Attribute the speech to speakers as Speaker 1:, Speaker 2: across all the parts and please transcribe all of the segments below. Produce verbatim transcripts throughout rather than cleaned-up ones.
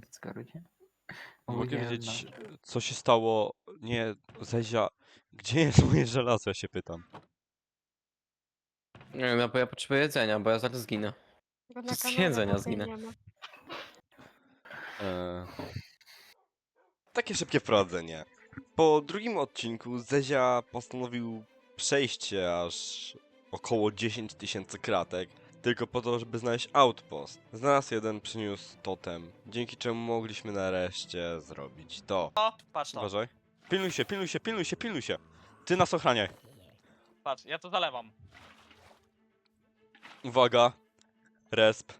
Speaker 1: w Discordzie.
Speaker 2: Mogę
Speaker 1: Ogólnie
Speaker 2: wiedzieć,
Speaker 1: no,
Speaker 2: co się stało? Nie, Zezia, gdzie jest moje żelazo, ja się pytam.
Speaker 3: Nie wiem, no bo ja potrzebuję jedzenia, bo ja zaraz zginę.
Speaker 4: Bo na
Speaker 3: Z
Speaker 4: kanale
Speaker 3: jedzenia
Speaker 4: wody
Speaker 3: zginę.
Speaker 4: nie ma.
Speaker 2: Eee, takie szybkie wprowadzenie. Po drugim odcinku Zezia postanowił przejście aż około dziesięć tysięcy kratek, tylko po to, żeby znaleźć outpost. Znalazł jeden, przyniósł totem, dzięki czemu mogliśmy nareszcie zrobić to.
Speaker 5: O, patrz to.
Speaker 2: Uważaj. Pilnuj się, pilnuj się, pilnuj się, pilnuj się. Ty nas ochraniaj.
Speaker 5: Patrz, ja to zalewam.
Speaker 2: Uwaga. Resp.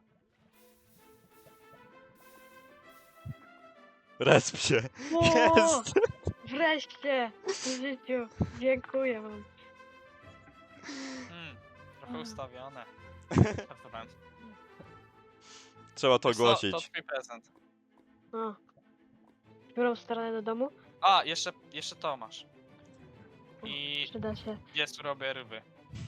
Speaker 2: Resp się.
Speaker 4: O,
Speaker 2: Jest!
Speaker 4: wreszcie! W życiu. Dziękuję wam.
Speaker 5: Hmm, trochę ustawione. Żartowałem.
Speaker 2: Trzeba to
Speaker 5: Wiesz co,
Speaker 2: ogłosić.
Speaker 5: To twój prezent.
Speaker 4: O. W którą stronę do domu?
Speaker 5: A, jeszcze, jeszcze to masz. I
Speaker 4: Przyda się.
Speaker 5: jest robię ryby.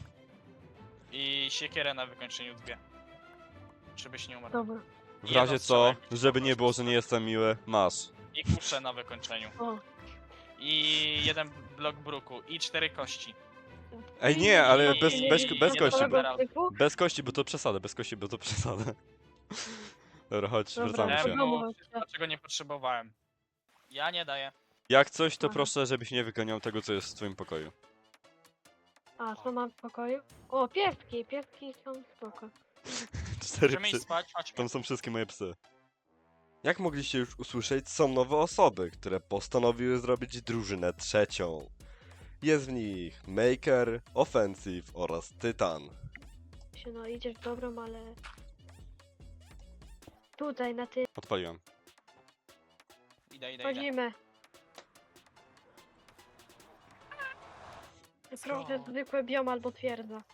Speaker 5: I siekierę na wykończeniu dwie. Żebyś nie umarł.
Speaker 4: Dobra.
Speaker 2: W
Speaker 5: I
Speaker 2: razie
Speaker 5: jedną
Speaker 2: co,
Speaker 5: strzałę,
Speaker 2: żeby nie
Speaker 5: jak
Speaker 2: było, że nie jestem miły, masz.
Speaker 5: I kuszę na wykończeniu.
Speaker 4: O.
Speaker 5: I jeden blok bruku. I cztery kości.
Speaker 2: Ej nie, ale
Speaker 5: I-
Speaker 2: bez, bez,
Speaker 5: i-
Speaker 2: bez
Speaker 5: i-
Speaker 2: kości.
Speaker 5: dobra.
Speaker 4: Nowego typu?
Speaker 2: Bez kości, bo to przesada, bez kości, bo to przesada. Dobra, chodź,
Speaker 4: Dobra.
Speaker 2: wracamy
Speaker 5: Wiem,
Speaker 2: się.
Speaker 4: domu
Speaker 5: no,
Speaker 4: chodźcie.
Speaker 5: dlaczego nie potrzebowałem. Ja nie daję.
Speaker 2: Jak coś, to
Speaker 4: Aha.
Speaker 2: proszę, żebyś nie wyganiał tego, co jest w twoim pokoju.
Speaker 4: A, co mam w pokoju? O, pieski. Pieski są spoko.
Speaker 2: Cztery
Speaker 5: Możemy iść
Speaker 2: psy.
Speaker 5: spać, chodźmy.
Speaker 2: Tam są wszystkie moje psy. Jak mogliście już usłyszeć, są nowe osoby, które postanowiły zrobić drużynę trzecią. Jest w nich Maker, Offensive oraz Tytan.
Speaker 4: Się no, idziesz w dobrą, ale... Tutaj, na tym.
Speaker 5: Idę,
Speaker 2: Odpaliłem.
Speaker 5: idę, idę.
Speaker 4: Chodzimy. Proszę, zwykłe biom albo twierdza.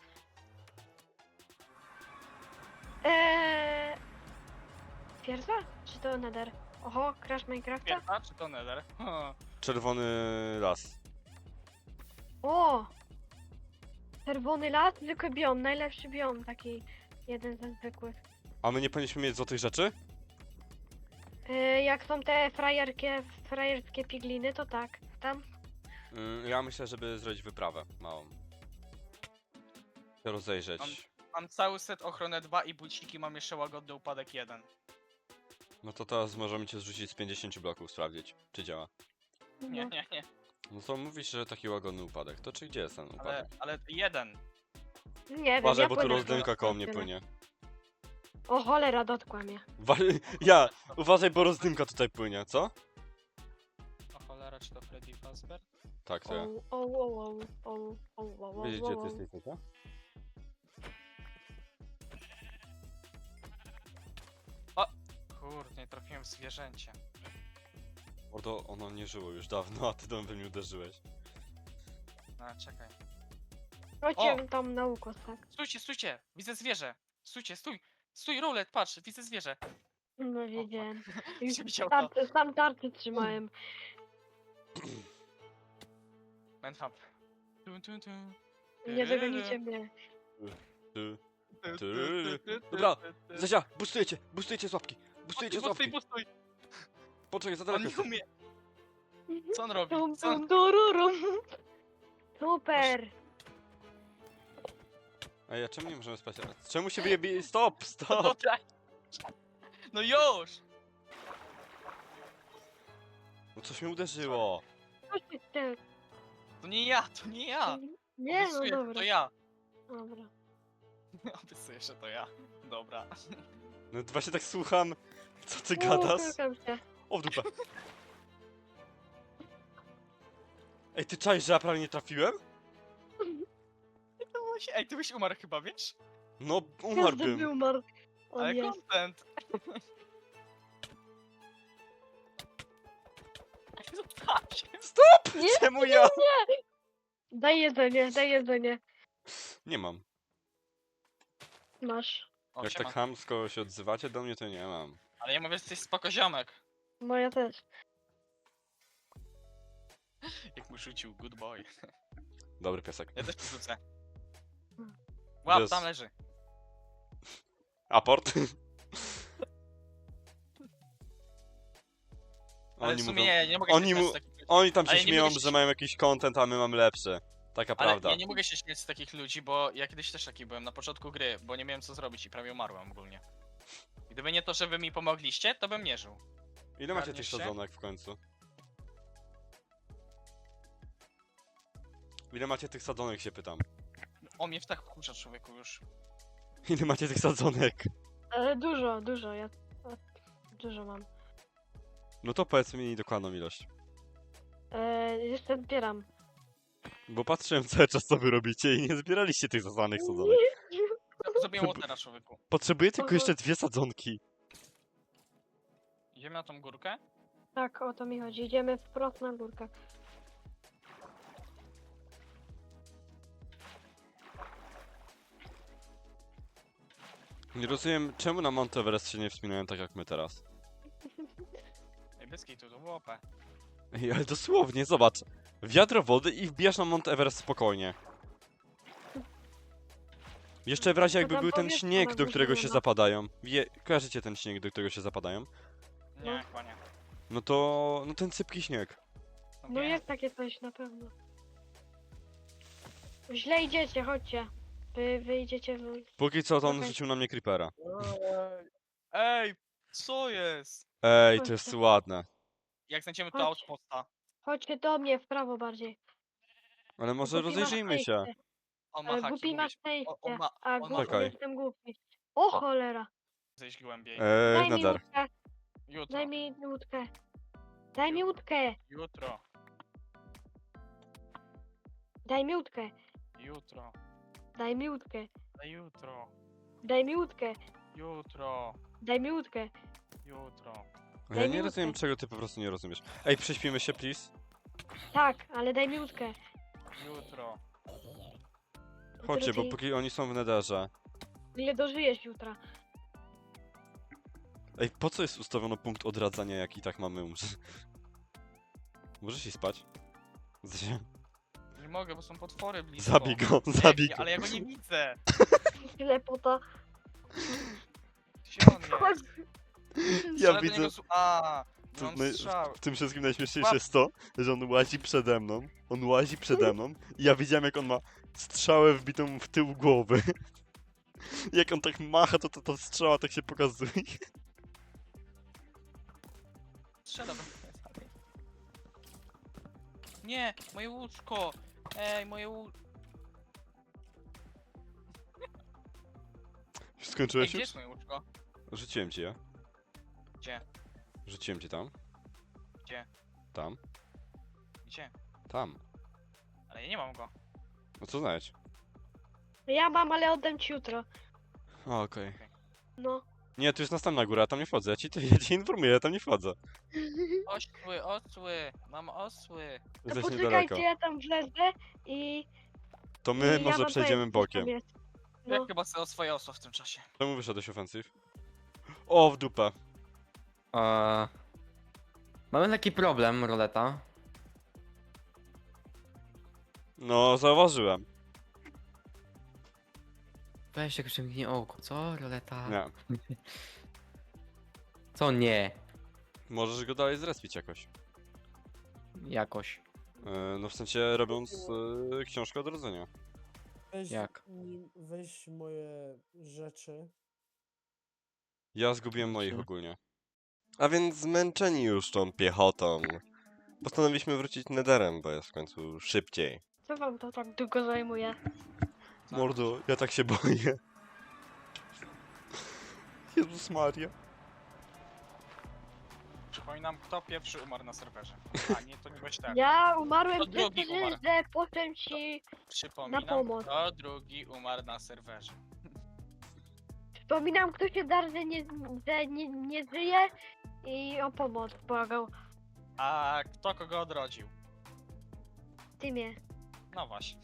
Speaker 4: Eee... Twierdza? Czy to nether? Oho, crash Minecrafta?
Speaker 5: Pierwsza czy to nether? Ha.
Speaker 2: Czerwony las.
Speaker 4: O! Czerwony las, zwykły biom, najlepszy biom, taki jeden ze zwykłych.
Speaker 2: A my nie powinniśmy mieć złotych rzeczy?
Speaker 4: Eee, jak są te frajerskie, frajerskie pigliny, to tak. Tam?
Speaker 2: Mm, ja myślę, żeby zrobić wyprawę małą. Się rozejrzeć.
Speaker 5: Mam- Mam cały set ochronę dwa i buciki, mam jeszcze łagodny upadek jeden.
Speaker 2: No to teraz możemy cię zrzucić z pięćdziesięciu bloków, sprawdzić, czy działa.
Speaker 5: Nie,
Speaker 4: No.
Speaker 5: nie, nie.
Speaker 2: No to mówisz, że taki łagodny upadek. To czy gdzie jest ten
Speaker 5: Ale,
Speaker 2: upadek?
Speaker 5: ale jeden.
Speaker 4: Nie wiem,
Speaker 2: Uważaj,
Speaker 4: ja
Speaker 2: bo tu
Speaker 4: płynę
Speaker 2: rozdymka
Speaker 4: do-
Speaker 2: koło mnie
Speaker 4: tyle.
Speaker 2: płynie.
Speaker 4: O cholera, dotkła mnie.
Speaker 2: Wa ja! Uważaj, bo rozdymka tutaj płynie, co?
Speaker 5: O cholera, czy to Freddy Fazbear?
Speaker 2: Tak, to
Speaker 4: O,
Speaker 2: ja.
Speaker 4: o, o, o, o, o, o,
Speaker 2: Wiecie,
Speaker 4: o,
Speaker 2: gdzie
Speaker 4: o.
Speaker 2: ty jesteś, co?
Speaker 5: Kurde, nie trafiłem w zwierzęcie.
Speaker 2: Mordo, ono nie żyło już dawno, a ty do mnie uderzyłeś.
Speaker 5: No, czekaj.
Speaker 4: Chodźcie tam na ukos, tak?
Speaker 5: Stójcie, stójcie! Widzę zwierzę! Stójcie, stój! Stój, Rolet, patrz, widzę zwierzę!
Speaker 4: No wiedziałem.
Speaker 5: Już widział to.
Speaker 4: Tarczy, sam tarczy trzymałem.
Speaker 5: Manhunt. Tun, tun, tun.
Speaker 4: Nie dogonicie mnie.
Speaker 2: Ty. Tyryry. Dobra, Zezia, boostujecie, boostujecie z łapki, boostujecie z
Speaker 5: Pustuj,
Speaker 2: łapki.
Speaker 5: pustuj!
Speaker 2: Poczekaj, za
Speaker 5: On
Speaker 2: daleko
Speaker 5: nie
Speaker 2: jesteś.
Speaker 5: umie! Co on robi?
Speaker 4: Tum,
Speaker 5: Co on...
Speaker 4: tum, tururum. Super.
Speaker 2: Ej, a czemu nie możemy spać? A czemu się wyjebie? Stop,
Speaker 5: No,
Speaker 2: stop!
Speaker 5: daj. No już!
Speaker 2: No coś mnie uderzyło.
Speaker 4: Chodźcie, ty.
Speaker 5: To nie ja, to nie ja!
Speaker 4: Nie, no
Speaker 5: Obiecuję, że
Speaker 4: dobra.
Speaker 5: to ja!
Speaker 4: Dobra.
Speaker 5: Obiecuję, że to ja. Dobra.
Speaker 2: No to właśnie tak słucham. Co ty
Speaker 4: O,
Speaker 2: gadasz?
Speaker 4: szukam cię.
Speaker 2: O w dupę. Ej, ty czaisz, że ja prawie nie trafiłem?
Speaker 5: To było się- Ej, ty byś umarł chyba, wiesz?
Speaker 2: No,
Speaker 4: Każdy by
Speaker 2: umarłbym.
Speaker 4: umarł. O
Speaker 5: Ale
Speaker 4: nie.
Speaker 5: content! Zostaw się!
Speaker 4: Nie,
Speaker 2: Czemu ja?
Speaker 4: Daj jedzenie, daj jedzenie.
Speaker 2: Nie mam.
Speaker 4: Masz.
Speaker 5: O,
Speaker 2: Jak
Speaker 5: siema.
Speaker 2: tak chamsko się odzywacie do mnie, to nie mam.
Speaker 5: Ale ja mówię, że jesteś spoko ziomek.
Speaker 4: Moja też.
Speaker 5: Jak mu rzucił, good boy.
Speaker 2: Dobry piesek.
Speaker 5: Ja też rzucę.
Speaker 4: Hmm.
Speaker 5: Łap,
Speaker 2: Jest.
Speaker 5: tam leży.
Speaker 2: Aport?
Speaker 5: Ale
Speaker 2: Oni
Speaker 5: w sumie
Speaker 2: mówią,
Speaker 5: nie, nie mogę
Speaker 2: oni
Speaker 5: się śmiać
Speaker 2: mu-
Speaker 5: z takich ludzi.
Speaker 2: oni tam się
Speaker 5: Ale nie
Speaker 2: śmieją,
Speaker 5: mogę się
Speaker 2: że mają jakiś content, a my mamy lepszy. Taka
Speaker 5: Ale
Speaker 2: prawda.
Speaker 5: ja nie mogę się śmiać z takich ludzi, bo ja kiedyś też taki byłem na początku gry, bo nie miałem co zrobić i prawie umarłem ogólnie. Gdyby nie to, że wy mi pomogliście, to bym nie żył.
Speaker 2: Ile macie tych
Speaker 5: Garniesz się?
Speaker 2: sadzonek w końcu? Ile macie tych sadzonek, się pytam.
Speaker 5: O mnie w tak wkurza człowieku już.
Speaker 2: Ile macie tych sadzonek?
Speaker 4: E, dużo, dużo, ja e, dużo mam.
Speaker 2: No to powiedz mi dokładną ilość.
Speaker 4: E, jeszcze zbieram.
Speaker 2: Bo patrzyłem cały czas, co wy robicie i nie zbieraliście tych sadzonek sadzonek.
Speaker 5: Zrobiłem łotera człowieku.
Speaker 2: Potrzebuję tylko
Speaker 4: Aha.
Speaker 2: jeszcze dwie sadzonki.
Speaker 5: Idziemy na tą górkę?
Speaker 4: Tak, o to mi chodzi. Idziemy wprost na górkę.
Speaker 2: Nie rozumiem, czemu na Mount Everest się nie wspinają tak jak my teraz.
Speaker 5: Ej, Byski, tu to było O P.
Speaker 2: Ej, ale dosłownie, zobacz. Wiadro wody i wbijasz na Mount Everest spokojnie. Jeszcze w razie
Speaker 4: To
Speaker 2: jakby
Speaker 4: tam
Speaker 2: był ten
Speaker 4: powiedz, co
Speaker 2: śnieg,
Speaker 4: na
Speaker 2: do
Speaker 4: górze
Speaker 2: którego
Speaker 4: nie
Speaker 2: się
Speaker 4: ma.
Speaker 2: zapadają. Wie, kojarzycie ten śnieg, do którego się zapadają?
Speaker 5: Nie,
Speaker 4: No.
Speaker 5: chyba nie.
Speaker 2: No to... no ten sypki śnieg.
Speaker 4: No
Speaker 5: nie.
Speaker 4: jest takie coś na pewno. Źle idziecie, chodźcie. Wy wyjdziecie w...
Speaker 2: Póki co to on
Speaker 4: Okej.
Speaker 2: rzucił na mnie creepera.
Speaker 5: Ej, Ej, co jest?
Speaker 2: Ej, to jest
Speaker 4: Chodźcie.
Speaker 2: ładne.
Speaker 5: Jak znajdziemy to
Speaker 4: Chodź.
Speaker 5: outposta?
Speaker 4: Chodźcie do mnie, w prawo bardziej.
Speaker 2: Ale może
Speaker 4: Głupi ma
Speaker 2: rozejrzyjmy się.
Speaker 4: szczęście.
Speaker 5: On ma
Speaker 4: Ale
Speaker 5: haki,
Speaker 4: głupi
Speaker 5: mówię
Speaker 4: ma
Speaker 5: ci.
Speaker 4: szczęście,
Speaker 5: on ma-
Speaker 4: a
Speaker 5: on ma-
Speaker 4: głupi
Speaker 2: Czekaj.
Speaker 4: jestem głupi. O cholera!
Speaker 5: Zejść głębiej.
Speaker 2: Eee,
Speaker 4: Daj mi
Speaker 2: nadar.
Speaker 4: łódkę,
Speaker 5: Jutro.
Speaker 4: daj mi łódkę. Daj mi łódkę,
Speaker 5: Jutro.
Speaker 4: daj mi łódkę,
Speaker 5: Jutro.
Speaker 4: daj mi łódkę,
Speaker 5: Na jutro.
Speaker 4: daj mi łódkę,
Speaker 5: Jutro.
Speaker 4: daj mi łódkę.
Speaker 5: Jutro.
Speaker 2: Ja
Speaker 4: Daj mi
Speaker 2: nie rozumiem,
Speaker 4: łódkę.
Speaker 2: czego ty po prostu nie rozumiesz. Ej, prześpimy się, please.
Speaker 4: Tak, ale daj mi łódkę.
Speaker 5: Jutro.
Speaker 2: Chodźcie, bo
Speaker 4: Drugi.
Speaker 2: póki oni są w nederze.
Speaker 4: Ile dożyjesz jutra?
Speaker 2: Ej, po co jest ustawiono punkt odradzania, jak i tak mamy umrzeć? Możesz i spać? Z-
Speaker 5: Nie mogę, bo są potwory blisko.
Speaker 2: Zabij go,
Speaker 5: Nie,
Speaker 2: zabij
Speaker 5: nie,
Speaker 2: go.
Speaker 5: ale ja go nie widzę.
Speaker 4: Ślepota.
Speaker 5: Gdzie on
Speaker 4: Chodź.
Speaker 5: jest?
Speaker 2: Ja
Speaker 5: Strzelę do
Speaker 2: widzę,
Speaker 5: niego z- A, nie
Speaker 2: to
Speaker 5: mam
Speaker 2: naj-
Speaker 5: strzał.
Speaker 2: w tym wszystkim najśmieszniejsze jest to, że on łazi przede mną, on łazi przede mną i ja widziałem, jak on ma strzałę wbitą w tył głowy. Jak on tak macha, to to, to strzała tak się pokazuje.
Speaker 5: Strzela do mnie. Nie, moje łóżko. Ej, moje łóżko. Ej,
Speaker 2: Skończyłeś
Speaker 5: gdzie
Speaker 2: już?
Speaker 5: jest moje łóżko?
Speaker 2: Rzuciłem ci je.
Speaker 5: Gdzie?
Speaker 2: Rzuciłem ci tam.
Speaker 5: Gdzie?
Speaker 2: Tam.
Speaker 5: Gdzie?
Speaker 2: Tam.
Speaker 5: Ale ja nie mam go.
Speaker 2: No co znaleźć?
Speaker 4: Ja mam, ale oddam ci jutro.
Speaker 2: O, okej.
Speaker 4: No.
Speaker 2: Nie, tu jest następna góra, ja tam nie wchodzę. Ja ci, ja ci informuję, ja tam nie wchodzę.
Speaker 5: Osły, osły. Mam osły.
Speaker 4: To
Speaker 2: Jesteś
Speaker 4: poczekajcie,
Speaker 2: niedaleko.
Speaker 4: ja tam wlezę i...
Speaker 2: To
Speaker 4: i
Speaker 2: my
Speaker 4: ja
Speaker 2: może
Speaker 4: wam
Speaker 2: przejdziemy
Speaker 4: powiem, co tam
Speaker 2: bokiem.
Speaker 4: jest.
Speaker 5: Ja
Speaker 4: No.
Speaker 5: chyba sobie oswoję osła w tym czasie.
Speaker 2: Czemu wyszedłeś ofensyw? O, w dupę.
Speaker 3: Eee, mamy taki problem, roleta.
Speaker 2: No, zauważyłem.
Speaker 3: Weź jak przymknie oko, co roleta?
Speaker 2: Nie.
Speaker 3: Co nie?
Speaker 2: Możesz go dalej zrespić jakoś.
Speaker 3: Jakoś.
Speaker 2: Yy, no w sensie robiąc yy, książkę odrodzenia.
Speaker 1: Weź,
Speaker 3: Jak?
Speaker 1: mi- weź moje rzeczy.
Speaker 2: Ja zgubiłem moich
Speaker 3: Znaczy?
Speaker 2: ogólnie. A więc zmęczeni już tą piechotą, postanowiliśmy wrócić nederem, bo jest w końcu szybciej.
Speaker 4: Co wam to tak długo zajmuje?
Speaker 2: Mordo, ja tak się boję. Jezus Maria.
Speaker 5: Przypominam, kto pierwszy umarł na serwerze. A nie, to nie byłeś ten.
Speaker 4: Ja umarłem
Speaker 5: To
Speaker 4: przez
Speaker 5: drugi
Speaker 4: to,
Speaker 5: umarł.
Speaker 4: że potem ci...
Speaker 5: Przypominam,
Speaker 4: Na pomoc.
Speaker 5: kto drugi umarł na serwerze.
Speaker 4: Wspominam, kto się dar, że nie, że nie, nie żyje i o pomoc błagał.
Speaker 5: A kto kogo odrodził?
Speaker 4: Ty mnie.
Speaker 5: No właśnie.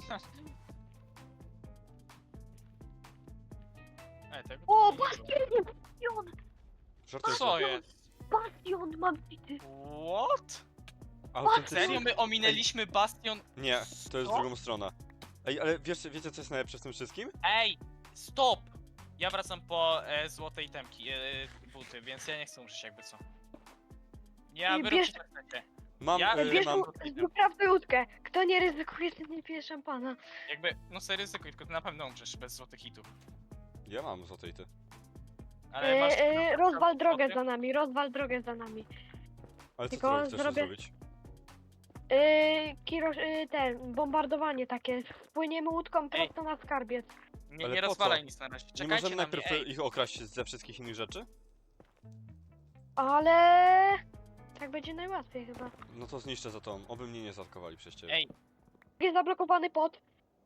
Speaker 5: Ej, tego
Speaker 4: O,
Speaker 5: tu nie było.
Speaker 4: bastion! Bastion!
Speaker 2: Żartuję
Speaker 5: Co
Speaker 2: się.
Speaker 5: jest?
Speaker 4: Bastion mam bity!
Speaker 5: What?
Speaker 2: Autentycznie.
Speaker 5: Serio, my ominęliśmy bastion?
Speaker 2: Nie, to jest
Speaker 5: Co?
Speaker 2: drugą stronę. Ej, ale wiesz, wiecie co jest najlepsze w tym wszystkim?
Speaker 5: Ej, stop! Ja wracam po e, złotej temki, e, buty, więc ja nie chcę umrzeć jakby co. Ja
Speaker 4: I
Speaker 5: wyróbcie
Speaker 4: bierz-
Speaker 5: co chcecie.
Speaker 2: Mam,
Speaker 5: Ja-
Speaker 2: y,
Speaker 4: Bierz
Speaker 2: mam...
Speaker 4: mu, wyprawdź łódkę. Kto nie ryzykuje, ten nie pije szampana.
Speaker 5: Jakby, no sobie ryzykuj, tylko ty na pewno umrzesz bez złotych hitów.
Speaker 2: Ja mam złotej ty.
Speaker 5: Ale masz...
Speaker 4: Yy, yy, rozwal drogę
Speaker 5: złoty?
Speaker 4: za nami, rozwal drogę za nami.
Speaker 2: Ale co
Speaker 4: Tylko
Speaker 2: ty chcesz
Speaker 4: zrobię-
Speaker 2: zrobić?
Speaker 4: Yy, Kiro, yy, ten, bombardowanie takie. Spłyniemy łódką prosto na skarbiec.
Speaker 5: Nie,
Speaker 2: Ale
Speaker 5: nie
Speaker 2: po
Speaker 5: rozwalaj
Speaker 2: co?
Speaker 5: nic na razie.
Speaker 2: Nie
Speaker 5: Czekajcie
Speaker 2: możemy
Speaker 5: na
Speaker 2: najpierw
Speaker 5: mnie, ej.
Speaker 2: ich okraść ze wszystkich innych rzeczy?
Speaker 4: Ale... Tak będzie najłatwiej chyba.
Speaker 2: No to zniszczę za tą, oby mnie nie zaatakowali przez ciebie.
Speaker 5: Ej,
Speaker 4: Jest zablokowany pot.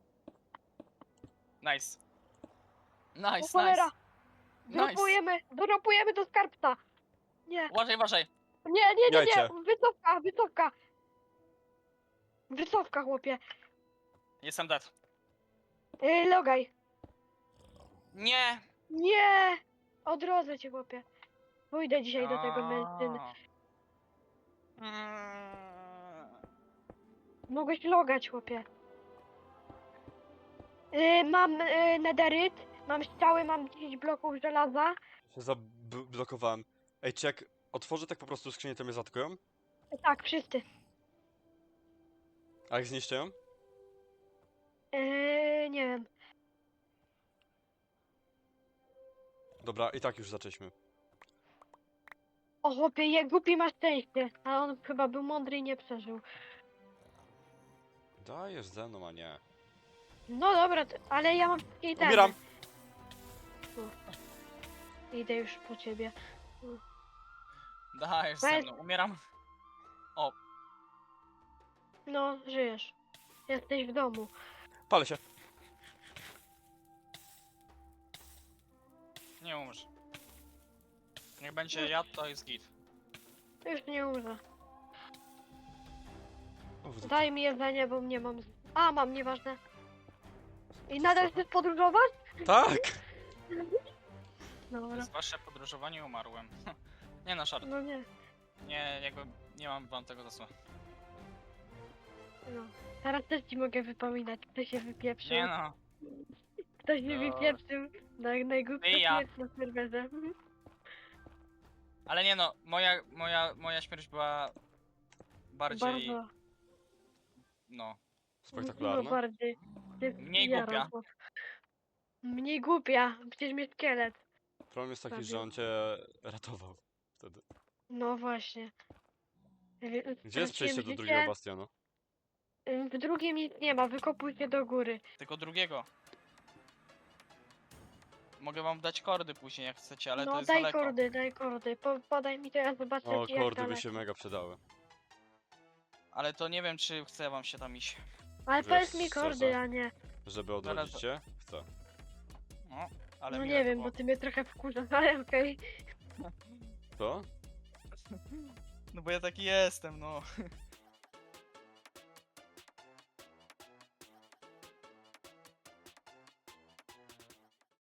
Speaker 5: nice.
Speaker 4: O
Speaker 5: Nice,
Speaker 4: cholera!
Speaker 5: nice. Nice.
Speaker 4: Dropujemy, dropujemy do skarbca. Nie,
Speaker 5: Uważaj, uważaj.
Speaker 4: nie, nie, nie, nie,
Speaker 2: Jajcie.
Speaker 4: wycofka, wycofka. Wycofka, chłopie.
Speaker 5: Jestem dead.
Speaker 4: Yy, logaj.
Speaker 5: Nie!
Speaker 4: Nie! Odrodzę cię, chłopie. Pójdę dzisiaj do tego mężczyzny.
Speaker 5: Mm.
Speaker 4: Mogłeś logać, chłopie. Yy, mam yy, nederyt, mam strzały, mam dziesięć bloków żelaza.
Speaker 2: Się zablokowałem. Ej, czy jak otworzę tak po prostu skrzynię, to mnie zaatakują?
Speaker 4: Tak, wszyscy.
Speaker 2: A jak zniszczę ją?
Speaker 4: Yy, nie wiem.
Speaker 2: Dobra, i tak już zaczęliśmy.
Speaker 4: O chłopie, je, głupi ma szczęście. A on chyba był mądry i nie przeżył.
Speaker 2: Dajesz ze mną, a nie.
Speaker 4: No dobra, to, ale ja mam wszystkie itemy.
Speaker 2: Umieram!
Speaker 4: Idę już po ciebie.
Speaker 5: Dajesz ze
Speaker 4: Weź.
Speaker 5: mną, umieram.
Speaker 4: No, żyjesz. Jesteś w domu.
Speaker 2: Palę się.
Speaker 5: Nie umrz. Niech będzie jad, to jest git.
Speaker 4: Już nie umrę.
Speaker 2: Uf,
Speaker 4: Daj mi jedzenie, bo nie mam. z- A, mam, nieważne. I nadal chcesz podróżować?
Speaker 2: Tak!
Speaker 4: Dobra.
Speaker 5: Przez wasze podróżowanie umarłem. Nie na szart.
Speaker 4: No nie.
Speaker 5: Nie, jakby nie mam wam tego zasłu.
Speaker 4: No. Teraz też ci mogę wypominać, kto się wypieprzył.
Speaker 5: Nie no.
Speaker 4: Kto się
Speaker 5: No.
Speaker 4: wypieprzył. Naj, najgłupsza
Speaker 5: Ty ja.
Speaker 4: śmierć na serwerze.
Speaker 5: Ale nie no, moja, moja, moja śmierć była bardziej,
Speaker 4: Bardzo.
Speaker 5: no.
Speaker 4: No
Speaker 2: Spektakularne.
Speaker 4: bardziej. Się
Speaker 5: Mniej
Speaker 4: zjara,
Speaker 5: głupia.
Speaker 4: bo- Mniej głupia, przecież mnie szkielet.
Speaker 2: Problem jest taki,
Speaker 4: Prawie.
Speaker 2: że on cię ratował wtedy.
Speaker 4: No właśnie. Wy-
Speaker 2: Gdzie jest
Speaker 4: straciłem
Speaker 2: przejście do
Speaker 4: życie.
Speaker 2: drugiego bastionu?
Speaker 4: W drugim nic nie ma, wykopuj się do góry.
Speaker 5: Tylko drugiego. Mogę wam dać kordy później jak chcecie, ale to
Speaker 4: No
Speaker 5: jest
Speaker 4: daj
Speaker 5: daleko.
Speaker 4: kordy, daj kordy. Po, podaj mi to, ja zobaczę
Speaker 2: O,
Speaker 4: ci jak
Speaker 2: kordy by
Speaker 4: daleko.
Speaker 2: się mega przydały.
Speaker 5: Ale to nie wiem czy chce wam się tam iść.
Speaker 4: Ale
Speaker 2: Że
Speaker 4: powiedz mi
Speaker 2: szczerze.
Speaker 4: kordy, a nie.
Speaker 2: Żeby odrodzić cię? Chcę.
Speaker 5: No, ale
Speaker 4: No
Speaker 5: miłe
Speaker 4: nie
Speaker 5: to
Speaker 4: wiem,
Speaker 5: było.
Speaker 4: bo ty mnie trochę wkurzasz, ale okej.
Speaker 2: To?
Speaker 5: No bo ja taki jestem, no.